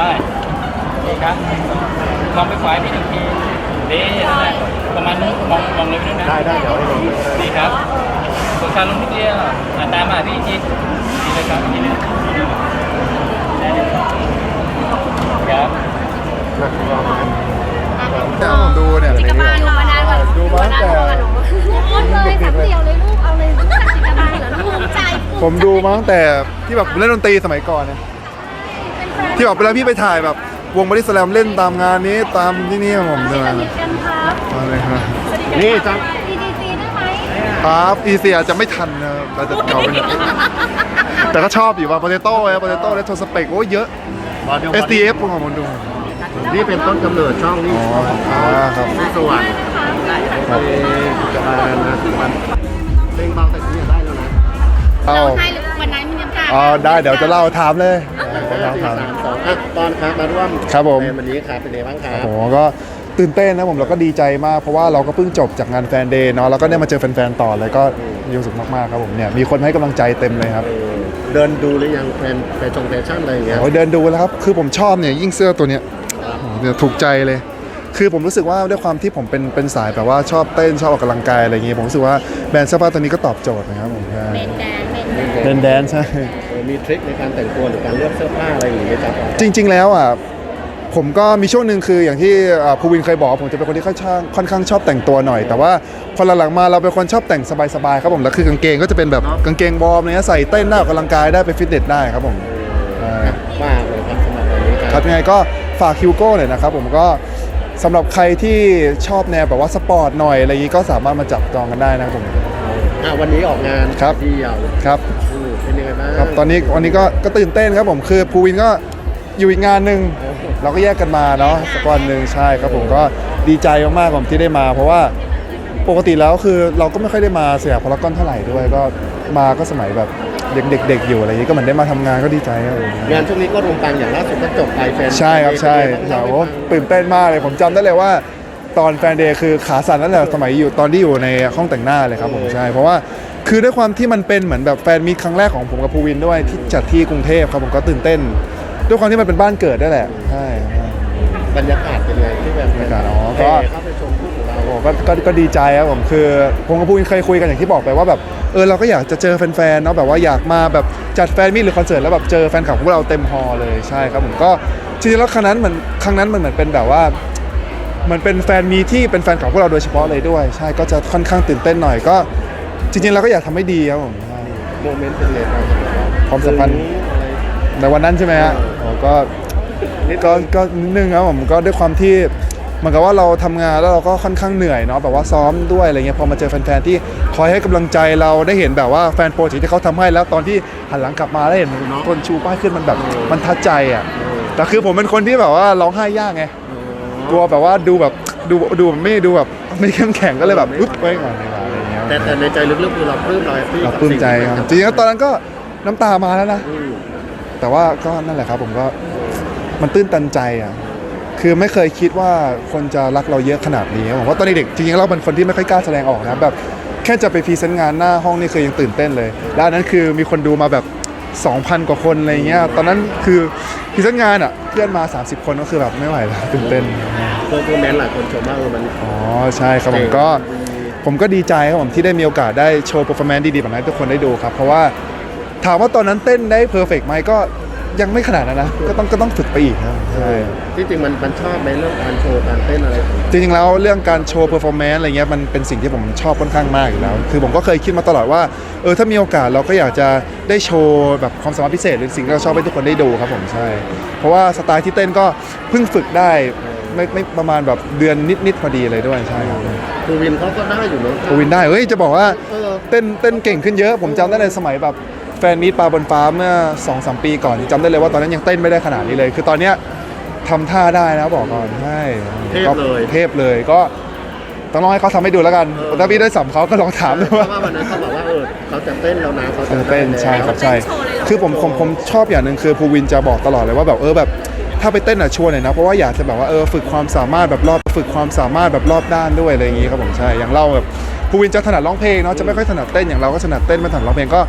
นี่ครับมองไปขวาพี่หนึ่งทีนี่ประมาณนู้นมองเลยพี่นะได้เดี๋ยวให้ลงนี่ครับกดการลงนิดเดียวตามมาพี่ทีนี่เลยครับนี่เลยครับถ้าผมดูเนี่ยจิกบาลอยู่มานานกว่าดูมาตั้งแต่พูดเลยสามเดี่ยวเลยลูกเอาเลยรู้จักจิกบาลเหรอภูมิใจผมดูมาตั้งแต่ที่แบบเล่นดนตรีสมัยก่อนเนี่ยที่แบบเวลาพี่ไปถ่ายแบบวงบอดี้สแลมเล่นตามงานนี้ตามที่นี่ผมเดินสนิทกันครับอะไรครับนี่จังดีได้ไหมครับอีเซียจะไม่ทันนะเราจะเก่าไปหน่อยแต่ก็ชอบอยู่ว่าโปเตโต้โปเตโต้และโทสเปกโอ้เยอะ SDF ผมของมันดูนี่เป็นต้นกำเนิดช่องนี่ครับสว่างจะมานะมันเพลงเบาแต่นี้ได้แล้วนะเอาให้วันนั้นมีน้ำตาได้เดี๋ยวจะเล่าถามเลยถามตอนครับมาร่วมครับผมวันนี้ครับเป็นไงบ้างครับผมก็ตื่นเต้นนะผมเราก็ดีใจมากเพราะว่าเราก็เพิ่งจบจากงานแฟนเดย์เนาะแล้วก็ได้มาเจอแฟนๆต่อเลยก็มีความสุขมากๆครับผมเนี่ยมีคนให้กำลังใจเต็มเลยครับเดินดูหรือยังแฟชั่นอะไรอย่างเงี้ยโอ้ยเดินดูแล้วครับคือผมชอบเนี่ยยิ่งเสื้อตัวเนี้ยเนี่ยถูกใจเลยคือผมรู้สึกว่าด้วยความที่ผมเป็นสายแบบว่าชอบเต้นชอบออกกำลังกายอะไรอย่างเงี้ยผมรู้สึกว่าแบรนด์เสื้อผ้าตัวนี้ก็ตอบโจทย์นะครับผมใช่เป็นแดนเป็นแดนใช่มีทริคในการแต่งตัวหรือการเลือกเสื้อผ้าอะไรอย่างเงี้ยครับจริงๆแล้วอ่ะผมก็มีช่วงหนึ่งคืออย่างที่ภูวินเคยบอกผมจะเป็นคนที่ค่อนข้างชอบแต่งตัวหน่อยแต่ว่าพอหลังๆมาเราเป็นคนชอบแต่งสบายๆครับผมแล้วคือกางเกงก็จะเป็นแบบกางเกงวอร์มเนี่ยใส่เต้นได้ออกกำลังกายได้ไปฟิตเนสได้ครับผมมากเลยครับสำหรับวันนี้ครับยังไงก็ฝากฮิวโก้หน่อยนะครับผมก็สำหรับใครที่ชอบแนวแบบว่าสปอร์ตหน่อยอะไรอย่างนี้ก็สามารถมาจับจองกันได้นะครับผมวันนี้ออกงานที่ยาวครับเป็นยังไงบ้างครับวันนี้ก็ตื่นเต้นครับผมคือภูวินก็อยู่อีกงานหนึ่งเราก็แยกกันมาเนาะสักวันหนึ่งใช่ครับผมก็ดีใจมากๆผมที่ได้มาเพราะว่าปกติแล้วคือเราก็ไม่ค่อยได้มาสยามพารากอนเท่าไหร่ด้วยก็มาก็สมัยแบบเด็กๆอยู่อะไรอย่างนี้ก็เหมือนได้มาทำงานก็ดีใจครับงานช่วงนี้ก็รวมตังอย่างล่าสุดก็จบไปแฟนใช่ครับใช่โอ้ตื่นเต้นมากเลยผมจำได้เลยว่าตอนแฟนเดย์คือขาสั่นนั่นแหละสมัยอยู่ตอนที่อยู่ในห้องแต่งหน้าเลยครับผมใช่เพราะว่าคือด้วยความที่มันเป็นเหมือนแบบแฟนมีตครั้งแรกของผมกับภูวินด้วยที่จัดที่กรุงเทพครับผมก็ตื่นเต้นด้วยความที่มันเป็นบ้านเกิดได้แหละใช่บรรยากาศเป็นไงที่แบบบรรยากาศก็เข้าไปชมคู่ของเราก็ดีใจครับผมคือผมกับภูวินเคยคุยกันอย่างที่บอกไปว่าแบบเราก็อยากจะเจอแฟนๆเนาะแบบว่าอยากมาแบบจัดแฟนมีตหรือคอนเสิร์ตแล้วแบบเจอแฟนคลับของเราเต็มฮอลล์เลยใช่ครับผมก็จริงๆแล้วครั้งนั้นมันเหมือนเป็นแบบว่ามันเป็นแฟนมีที่เป็นแฟนคลับพวกเราโดยเฉพาะเลยด้วยใช่ก็จะค่อนข้างตื่นเต้นหน่อยก็จริงๆเราก็อยากทำให้ดีครับผมโมเมนต์เป็นไงบ้างความสัมพันธ์ในวันนั้นใช่ไหมฮะก็นิดนึงครับผมก็ด้วยความที่เหมือนกับว่าเราทำงานแล้วเราก็ค่อนข้างเหนื่อยเนาะแบบว่าซ้อมด้วยอะไรเงี้ยพอมาเจอแฟนๆที่คอยให้กำลังใจเราได้เห็นแบบว่าแฟนโปรเจกต์ที่เขาทำให้แล้วตอนที่หันหลังกลับมาได้เห็นคนชูป้ายขึ้นมันแบบมันทัดใจอ่ะแต่คือผมเป็นคนที่แบบว่าร้องไห้ยากไงกลัวแบบว่าดูแบบดูไม่ดูแบบไม่เข้มแข็งก็เลยแบบอุ๊บไว้ก่อนอะไรเงี้ยแต่ในใจลึกๆคือเราปลื้มเราปลื้มใจครับจริงๆตอนนั้นก็น้ำตามาแล้วนะแต่ว่าก็นั่นแหละครับผมก็มันตื้นตันใจอ่ะคือไม่เคยคิดว่าคนจะรักเราเยอะขนาดนี้ผมว่าตอนเด็กจริงๆเราเป็นคนที่ไม่ค่อยกล้าแสดงออกนะแบบแค่จะไปพรีเซนต์งานหน้าห้องนี่คือยังตื่นเต้นเลยแล้วนั้นคือมีคนดูมาแบบ 2,000 กว่าคนอะไรเงี้ยตอนนั้นคือพรีเซนต์งานอ่ะเพื่อนมา30 คนก็คือแบบไม่ไหวแล้วตื่นเต้นโปรแมนหลายคนชมว่ามันใช่ครับผมก็ดีใจครับผมที่ได้มีโอกาสได้โชว์เปอร์ฟอร์แมนซ์ดีๆแบบนั้นให้ทุกคนได้ดูครับเพราะว่าถามว่าตอนนั้นเต้นได้เพอร์เฟกต์ไหมก็ยังไม่ขนาดนั้นนะก็ต้องฝึกไปอีกครับใช่จริงๆมันชอบไหมเรื่องการโชว์การเต้นอะไรจริงๆแล้วเรื่องการโชว์เพอร์ฟอร์แมนซ์อะไรเงี้ยมันเป็นสิ่งที่ผมชอบค่อนข้างมากอยู่แล้วคือผมก็เคยคิดมาตลอดว่าถ้ามีโอกาสเราก็อยากจะได้โชว์แบบความสามารถพิเศษหรือสิ่งที่เราชอบให้ทุกคนได้ดูครับผมใช่เพราะว่าสไตล์ที่เต้นก็เพิ่งฝึกได้ไม่ประมาณแบบเดือนนิดๆพอดีเลยด้วยใช่ครับภูวินเขาก็ได้อยู่เนาะภูวินได้จะบอกว่าเต้นเก่งขึ้นเยอะผมจำได้ในสมัยแบบแฟนมีตปลาบนฟ้าเมื่อ 2-3 ปีก่อนจำได้เลยว่าตอนนั้นยังเต้นไม่ได้ขนาดนี้เลยคือตอนเนี้ยทำท่าได้นะบอกก่อนใช่เทพเลยก็ต้องลองให้เขาทำให้ดูแล้วกันถ้าพี่ได้สัมเขาก็ลองถามดูว่าวันนั้นเขาบอกว่าเขาจะเต้นแล้วนะเขาจะเต้นใช่ครับใช่คือผมชอบอย่างหนึ่งคือภูวินจะบอกตลอดเลยว่าแบบแบบถ้าไปเต้นชวนหน่อยนะเพราะว่าอยากจะแบบว่าฝึกความสามารถแบบฝึกความสามารถแบบรอบด้านด้วยอะไรอย่างงี้ครับผมใช่อย่างเราแบบภูวินจะถนัดร้องเพลงเนาะจะไม่ค่อยถนัดเต้นอย่างเราก็ถนัดเต้นไม่ถนัดร้องเพลงก็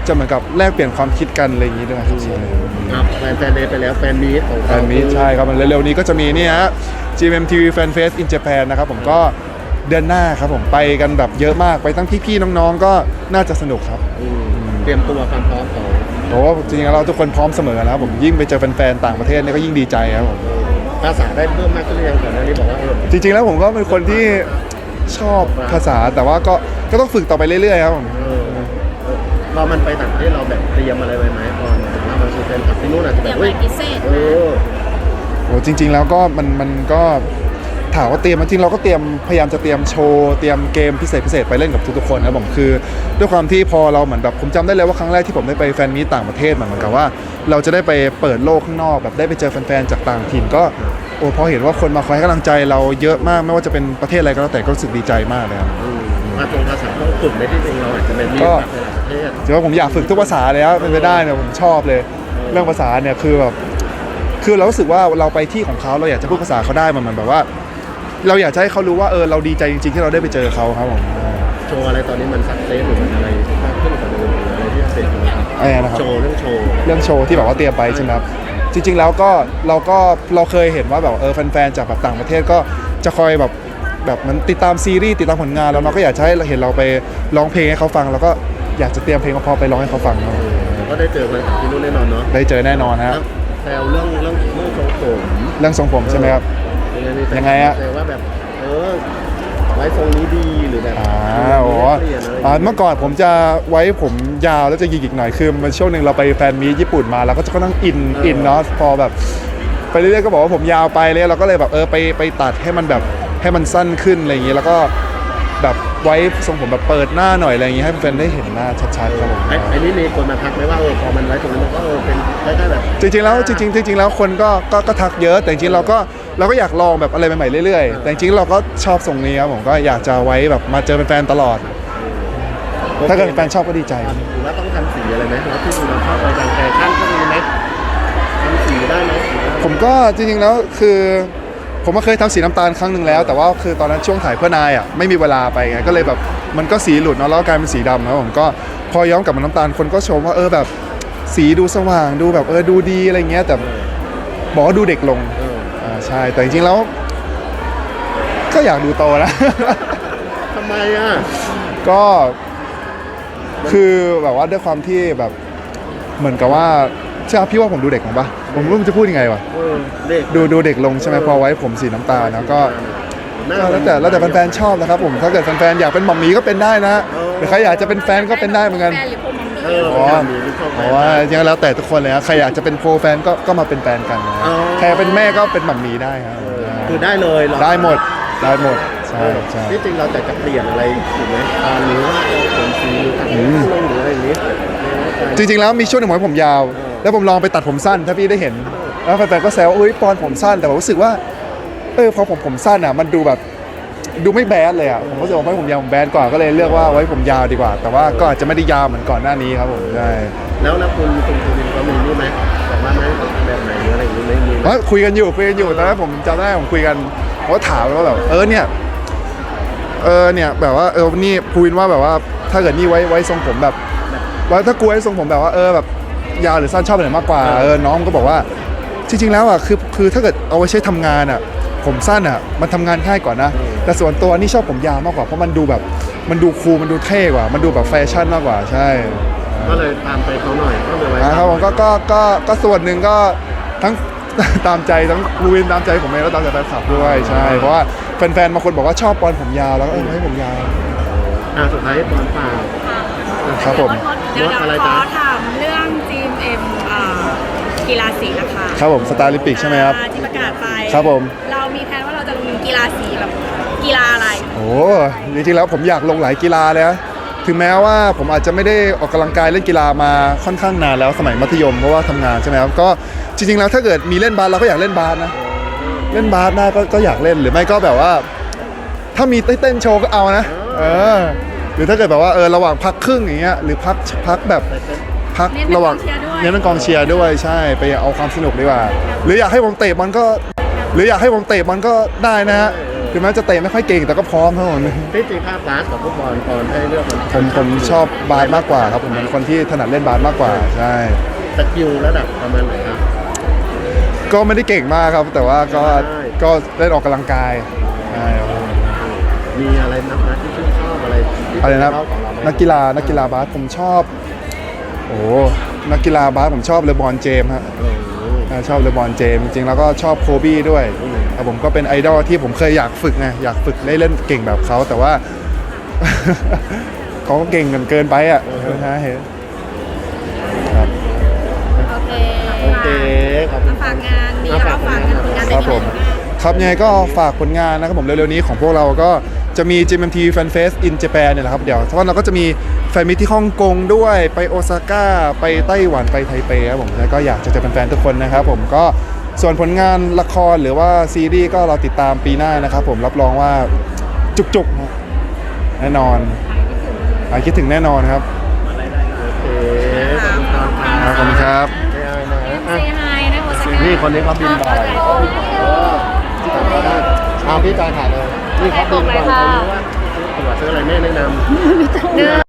จะเหมือนกับแลกเปลี่ยนความคิดกันอะไรอย่างนี้ด้วยครับใช่ครับแฟนเดย์ไปแล้วแฟนมีตของแฟนมีตใช่ครับมันเร็วๆนี้ก็จะมีนี่ฮะ GMMTV Fan Fest in Japan นะครับผมก็เดือนหน้าครับผมไปกันแบบเยอะมากไปทั้งพี่ๆน้องๆก็น่าจะสนุกครับเตรียมตัวความพร้อมของเพราะว่าจริงๆเราทุกคนพร้อมเสมอนะครับผมยิ่งไปเจอแฟนๆต่างประเทศเนี่ยก็ยิ่งดีใจครับผมภาษาได้เพิ่มมากขึ้นหรือยังก่อนหน้านี้บอกว่าจริงๆแล้วผมก็เป็นคนที่ชอบภาษาแต่ว่าก็ต้องฝึกต่อไปเรื่อยๆครับผมพอมันไปต่างประเทศเราแบบเตรียมอะไรไว้ไหมพอว่ามันคือเป็นขับที่นู่นอาจจะเตแบรียบมอะไรพิเศษโอ้จริง ๆ แล้วก็มันก็ถามว่าเตรียมจริงๆเราก็เตรียมพยายามจะเตรียมโชว์เตรียมเกมพิเศษไปเล่นกับทุกๆคนนะผมคือด้วยความที่พอเราเหมือนแบบผมจำได้เลยว่าครั้งแรกที่ผมได้ไปแฟนมีตต่างประเทศเหมือนกับว่า เราจะได้ไปเปิดโลกข้างนอกแบบได้ไปเจอแฟนๆจากต่างถิ่นก็โอ้พอเห็นว่าคนมาคอยให้กำลังใจเราเยอะมากไม่ว่าจะเป็นประเทศอะไรก็แล้วแต่ก็รู้สึกดีใจมากเลยครับมาตรงภาษาต้องฝึกในที่จริงเราอาจจะเป็นมีแบบในประเทศถือว่าผมอยากฝึกทุกภาษาเลยครับเป็นไปได้เนี่ยผมชอบเลยเรื่องภาษาเนี่ยคือแบบคือเรารู้สึกว่าเราไปที่ของเขาเราอยากจะพูดภาษาเขาได้มันแบบว่า เราอยากจะให้เขารู้ว่าเราดีใจจริงๆที่เราได้ไปเจอเขาครับผมโชว์อะไรตอนนี้มันสักเซสหรือมันอะไรมากขึ้นกว่าเดิมหรืออะไรที่เป็นนะครับอะไรนะครับโชว์เรื่องโชว์เรื่องโชว์ที่แบบว่าเตรียมไปใช่ไหมครับจริงๆแล้วก็เราเคยเห็นว่าแบบแฟนๆจากแบบต่างประเทศก็จะคอยแบบมันติดตามซีรีส์ติดตามผลงานแล้วเราก็อยากจะให้เราเห็นเราไปร้องเพลงให้เขาฟังแล้วก็อยากจะเตรียมเพลงพอไปร้องให้เขาฟังครับก็ได้เจอแฟนคลับที่นู่นแน่นอนเนาะได้เจอแน่นอนฮะแซวเรื่องทรงผมเรื่องทรงผมใช่ไหมครับ ยังไงอะแซวว่าแบบไว้ทรงนี้ดีหรือแบบโอ้เปลี่ยนอะไรเมื่อก่อนผมจะไว้ผมยาวแล้วจะหยิกๆหน่อยคือมันช่วงหนึ่งเราไปแฟนมีตญี่ปุ่นมาเราก็จะค่อนข้างอินเนาะพอแบบไปเรื่อยๆก็บอกว่าผมยาวไปเลยเราก็เลยแบบไปตัดให้มันแบบให้มันสั้นขึ้นอะไรอย่างงี้แล้วก็แบบไว้ทรงผมแบบเปิดหน้าหน่อยอะไรอย่างงี้ให้แฟนๆได้เห็นหน้าชัดๆครับผมไอ้นี่มีคนมาทักไหมว่าพอมันไว้ตรงนี้มันก็เป็นคล้ายๆแบบจริงๆแล้วคนก็ทักเยอะแต่จริงๆเราก็อยากลองแบบอะไรใหม่ๆเรื่อยๆแต่จริงๆเราก็ชอบทรงนี้ครับผมก็อยากจะไว้แบบมาเจอแฟนๆตลอด ถ้าเกิดแฟนชอบก็ดีใจหรือว่าต้องทำสีอะไรไหมแล้วที่เราชอบอะไรการแฟชั่นก็มีไหมทำสีได้ไหมผมก็จริงๆแล้วคือผมก็เคยทำสีน้ำตาลครั้งหนึ่งแล้ว แต่ว่าคือตอนนั้นช่วงถ่ายเพื่อนายอ่ะไม่มีเวลาไปไงก็เลยแบบมันก็สีหลุดเนาะแล้วก็กลายเป็นสีดำนะผมก็พอย้อมกลับมาน้ำตาลคนก็ชมว่าแบบสีดูสว่างดูแบบดูดีอะไรเงี้ยแต่บอกว่าดูเด็กลงใช่แต่จริงๆแล้วก็อยากดูโตนะทำไมอ่ะก็คือแบบว่าด้วยความที่แบบเหมือนกับว่าใช่พี่ว่าผมดูเด็กลงปะผมไม่รู้จะพูดยังไงวะเด็กดูเด็กลงใช่ไหมพอไว้ผมสีน้ำตาลนะก็แล้วแต่แฟนๆชอบนะครับผมถ้าเกิดแฟนๆอยากเป็นหม่อมหมีก็เป็นได้นะหรือใครอยากจะเป็นแฟนก็เป็นได้เหมือนกันแฟนหรือพวกมัมมี่เพราะว่ายังแล้วแต่ทุกคนเลยนะใครอยากจะเป็นโปรแฟนก็มาเป็นแฟนกันนะใครเป็นแม่ก็เป็นหม่อมหมีได้ครับคือได้เลยได้หมดใช่ที่จริงเราจะเปลี่ยนอะไรถูกไหมตอนนี้ว่าผมสีตัดผมลงหรืออะไรอย่างนี้จริงๆแล้วมีช่วงหนึ่งผมยาว แล้วผมลองไปตัดผมสั้นถ้าพี่ได้เห็นแล้วแฟนๆก็แซวว่าปอนผมสั้นแต่ผมรู้สึกว่าพอผมสั้นอ่ะมันดูแบบดูไม่แบดเลยอ่ะผมก็รู้สึกว่าไว้ผมยาวผมแบดกว่าก็เลยเลือกว่าไว้ผมยาวดีกว่า แต่ว่าก็อาจจะไม่ได้ยาวเหมือนก่อนหน้านี้ครับผมใช่แล้วคุณวินก็มีนี่ไหมบอกว่าไหมแบบไหนหรืออะไรอย่างนี้ไม่มีว่าคุยกันอยู่ตอนนั้นผมจำได้ผมคุยกันเขาก็ถามว่าแบบเนี่ยแบบว่านี่พูดว่าแบบว่าถ้าเกิดนี่ไว้ทรงผมแบบว่าถ้ากูไว้ทรงผมแบบว่าแบบยาวหรือสั้นชอบแบบไหนมากกว่าน้องก็บอกว่าจริงๆแล้วอ่ะคือถ้าเกิดเอาไว้ใช้ทำงานอ่ะผมสั้นอ่ะมันทำงานง่ายกว่านะแต่ส่วนตัวนี่ชอบผมยาวมากกว่าเพราะมันดูแบบมันดูคูลมันดูเท่กว่ามันดูแบบแฟชั่นมากกว่าใช่ก็เลยตามไปเขาหน่อยก็เลยไว้ครับผมก็ส่วนหนึ่งก็ทั้ง ตามใจทั้งลูวินตามใจผมเองแล้วตามใจแฟนคลับด้วยใช่เพราะว่าแฟนๆบางคนบอกว่าชอบปอนผมยาวแล้วก็ให้ผมยาวสุดท้ายตอนฝ่าครับผมเดี๋ยวขอถามเรื่อง GMM กีฬาสีนะคะครับผมสตาร์ลิมปิกใช่ไหมครับที่ประกาศไปครับผมเรามีแผนว่าเราจะลงกีฬาสีแบบกีฬาอะไรโอ้จริงๆแล้วผมอยากลงหลายกีฬาเลยนะถึงแม้ว่าผมอาจจะไม่ได้ออกกำลังกายเล่นกีฬามาค่อนข้างนานแล้วสมัยมัธยมเพราะว่าทำงานใช่ไหมครับก็จริงๆแล้วถ้าเกิดมีเล่นบาสเราก็อยากเล่นบาสนะเล่นบาสได้ก็อยากเล่นหรือไม่ก็แบบว่า ถ้ามีเต้นโชว์ก็เอานะหรือถ้าเกิดแบบว่าระหว่างพักครึ่งอย่างเงี้ยหรือพักแบบพักระหว่างเน้นเป็นกองเชียร์ด้วยใช่ไปเอาความสนุกดีกว่าหรืออยากให้ผมเตะบอลก็ได้นะฮะถึงแม้จะเตะไม่ค่อยเก่งแต่ก็พร้อมครับผมที่จริงภาพบาสกับฟุตบอลตอนให้เลือกมันผมชอบบาสมากกว่าครับผมเป็นคนที่ถนัดเล่นบาสมากกว่าใช่สกิลระดับประมาณไหนครับก็ไม่ได้เก่งมากครับ แต่ว่าก็ใช่ก็เล่นออกกำลังกายใช่ครับผมมีอะไรนักนะที่ชื่นชอบอะไรที่อะไรนะชอบของเราไหมนักกีฬาบาสผมชอบโอ้นักกีฬาบาสผมชอบเลบรอนเจมส์ฮะโอ้โหชอบเลบรอนเจมส์จริงๆแล้วก็ชอบโคบี้ด้วยอืมครับผมก็เป็นไอดอลที่ผมเคยอยากฝึกไงอยากฝึกเล่นเก่งแบบเขาแต่ว่า เขาก็เก่งเกินไปอ่ะนะเห็นครับโอเคโอเคขอบคุณฝากงานมีอะไรฝากงานผลงานครับผมครับยังไงก็ฝากผลงานนะครับผมเร็วๆนี้ของพวกเราก็จะมี GMMT Fan Fest in Japan เนี่ยแหละครับเดี๋ยวเพราะเราก็จะมีแฟนมิตที่ฮ่องกงด้วยไปโอซาก้าไปไต้หวันไปไทเปครับผมแล้วก็อยากจะเจอแฟนๆทุกคนนะครับผมก็ส่วนผลงานละครหรือว่าซีรีส์ก็เราติดตามปีหน้านะครับผมรับรองว่าจุกๆนะแน่นอนหายคิดถึงแน่นอนครับโอเคขอบคุณครับขอบคุณครับไม่เอานะเซอ่ะฮายนะโอซาก้านี่คนนี้เขาบินบ่อยเอาพี่จอยถ่ายเลยนี่เขาบินบ่อยเขารู้ว่าตั๋วซื้ออะไรแม่แนะนำ 1